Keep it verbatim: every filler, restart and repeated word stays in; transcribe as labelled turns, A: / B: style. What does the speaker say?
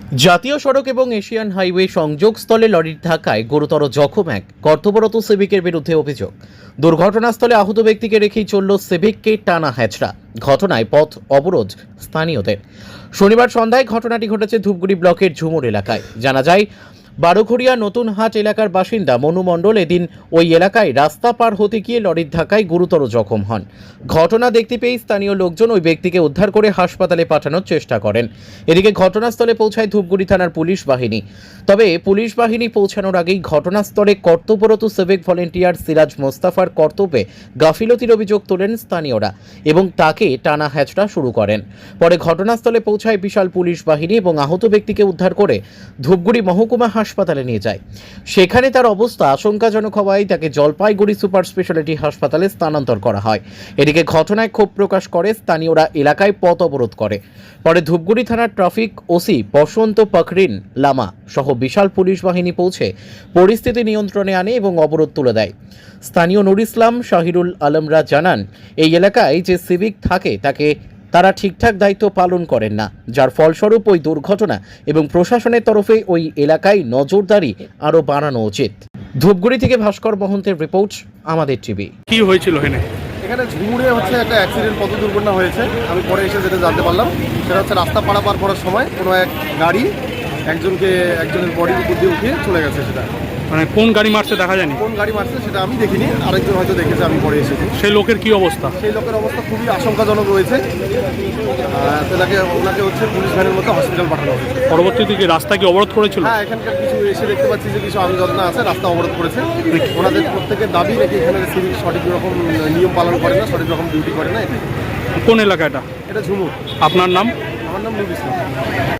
A: জাতীয় সড়ক এবং এশিয়ান হাইওয়ে সংযোগস্থলে লরির ধাক্কায় গুরুতর জখম এক কর্তব্যরত সিভিকের বিরুদ্ধে অভিযোগ। দুর্ঘটনাস্থলে আহত ব্যক্তিকে রেখেই চলল সিভিককে টানা হ্যাচড়া। ঘটনায় পথ অবরোধ স্থানীয়দের। শনিবার সন্ধ্যায় ঘটনাটি ঘটেছে ধূপগুড়ি ব্লকের ঝুমুর এলাকায়। জানা যায়, বারোঘড়িয়া নতুন হাট এলাকার বাসিন্দা মনু মণ্ডল এদিন ওই এলাকায় রাস্তা পার হতে গিয়ে লরির ধাক্কায় গুরুতর জখম হন। ঘটনা দেখতে পেয়ে স্থানীয় লোকজন ওই ব্যক্তিকে উদ্ধার করে হাসপাতালে পাঠানোর চেষ্টা করেন। এদিকে ঘটনাস্থলে পৌঁছায় ধূপগুড়ি থানার পুলিশ বাহিনী। তবে পুলিশ বাহিনী পৌঁছানোর আগেই ঘটনাস্থলে কর্তব্যরত সিভিক ভলেন্টিয়ার সিরাজ মোস্তাফার কর্তব্যে গাফিলতির অভিযোগ তোলেন স্থানীয়রা এবং তাকে টানা হ্যাচড়া শুরু করেন। পরে ঘটনাস্থলে পৌঁছায় বিশাল পুলিশ বাহিনী এবং আহত ব্যক্তিকে উদ্ধার করে ধূপগুড়ি মহকুমা হাসপাতালে নিয়ে যায়। সেখানে তার অবস্থা আশঙ্কাজনক হওয়ায় তাকে জলপাইগুড়ি সুপার স্পেশালিটি হাসপাতালে স্থানান্তর করা হয়। এদিকে ঘটনায় ক্ষোভ প্রকাশ করে স্থানীয়রা এলাকায় পথ অবরোধ করে। পরে ধূপগুড়ি থানার ট্রাফিক ওসি বসন্ত পাকরিন লামা সহ বিশাল পুলিশ বাহিনী পৌঁছে পরিস্থিতি নিয়ন্ত্রণে আনে এবং অবরোধ তুলে দেয়। স্থানীয় নুর ইসলাম শাহিরুল আলমরা জানান, এই এলাকায় যে সিভিক থাকে তাকে তারা ঠিকঠাক দায়িত্ব পালন করেন না, যার ফলস্বরূপ ওই দুর্ঘটনা এবং প্রশাসনের তরফে ওই এলাকায় নজরদারি আরও বাড়ানো উচিত। ধূপগুড়ি থেকে ভাস্কর মহন্তের রিপোর্ট, আমাদের টিভি।
B: কি হয়েছিল এখানে?
C: এখানে ঝুমুরে হচ্ছে একটা অ্যাক্সিডেন্ট, পথ দুর্ঘটনা হয়েছে। আমি পরে এসে যেটা জানতে পারলাম সেটা হচ্ছে রাস্তা পারাপার করার সময় কোনো এক গাড়ি একজনকে একজনের বডির উপর দিয়ে উঠিয়ে চলে গেছে। সেটা
B: মানে কোন গাড়ি মারছে দেখা যায়নি?
C: কোন গাড়ি মারছে সেটা আমি দেখিনি, আরেকজন হয়তো দেখেছে, আমি পরে এসেছি।
B: সেই লোকের কি অবস্থা?
C: সেই লোকের অবস্থা খুবই আশঙ্কাজনক রয়েছে। সেটাকে ওনাকে হচ্ছে পুলিশ ভ্যানের মধ্যে হসপিটাল পাঠানো হয়েছে।
B: পরবর্তীতে কি রাস্তা কি অবরোধ করেছিল?
C: হ্যাঁ, এখানকার কিছু এসে দেখতে পাচ্ছি যে কিছু আমজনতা আছে, রাস্তা অবরোধ করেছে। ওনাদের প্রত্যেকের দাবি নাকি এখানে সিভিক সঠিক রকম নিয়ম পালন করে না, সঠিক রকম ডিউটি করে না।
B: কোন এলাকা এটা?
C: এটা ঝুমুর।
B: আপনার নাম?
C: আমার নাম নুর ইসলাম।